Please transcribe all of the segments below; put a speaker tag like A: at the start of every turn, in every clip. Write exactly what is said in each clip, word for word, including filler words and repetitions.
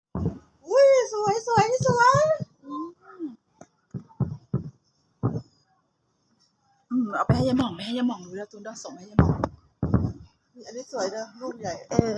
A: อุ้ยสวยสวยนี่สวย
B: อืมเอาไปให้ยายหม่องไปให้ยายหม่องดูแล้วตูนดอส่งให้ยายหม่อง
A: อันนี้สวยเด้อลูกใหญ่
C: เออ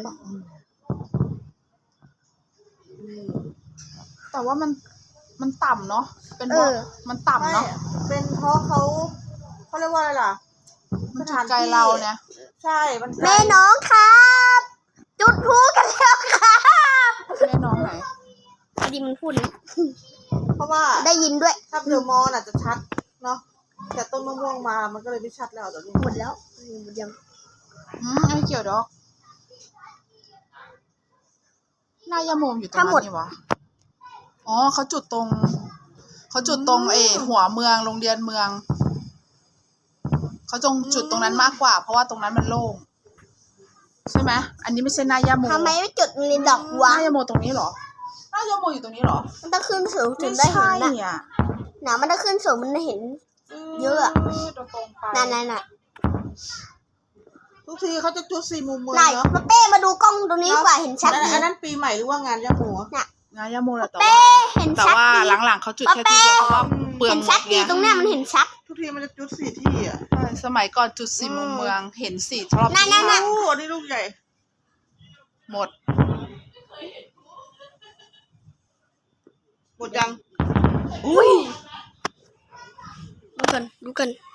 B: แต่ว่ามันมันต่ำเนาะเป็นเพราะมันต่ำเนาะ
A: เป็นเพราะเขาเขาเรียกว่าอะไรล่ะ
B: มันจุดไกลเราเนี่ย
A: ใช่มัน
C: แม่น้องครับ จุดพลุกันแล้วครับ
B: แม่น้องไหน
C: พอดีมันพูด
A: เพราะว่า
C: ได้ยินด้วย
A: ถ้าเดอะมอลล์อาจจะชัดเนาะแต่ต้นมะม่วงมามันก็เลยไม่ชัดแล้วตอนนี้
C: หมดแล้วหมดยัง
B: อืมไม่เกี่ยวดอกหน้ายาโมมอยู่ตรงนั้นนี่วะอ๋อเขาจุดตรงเขาจุดตรงเอหัวเมืองโรงเรียนเมืองเขาจงจุดตรงนั้นมากกว่าเพราะว่าตรงนั้นมันโล่งใช่ไหมอันนี้ไม่ใช่หน้ายาโม
C: ทำไมไม่จุดในดอกวะ
B: หน้ายาโมตรงนี้เหรอหน้ายาโมอยู่ตรงนี้เหรอ
C: มันต้องขึ้นสูงถึงได้เห็นน่ะหนามันต้องขึ้นสูงมันได้เห็นเยอะอะนั่นนั่นน่ะ
A: ทุกทีเขาจะจุดสี่มุมเมือง
C: เนาะมาเป้มาดูกล้องตรงนี้กว่าเห็นชัด
A: อันนั้นปีใหม่หรือว่างานยาโม
C: น่ะ
B: งานยาโมแหละแต่
C: ว่าเห็น
B: ชัดแต่ว่าหลังๆเขาจุดแค่ที่เดียวเพราะว่าเปลือง
C: เห็นชัดดีตรงเนี้ยมันเห็นชัด
A: ทุกทีมันจะจุดสี่ที่อ่ะ
B: ใช่สมัยก่อนจุดสี่มุมเมืองเห็นสี่รอบ
C: นั่นนั่นนั่น
A: โอ้อันนี้ลูกใหญ่
B: หมด
A: หมดยัง
C: อุ้ยดูกันดูกัน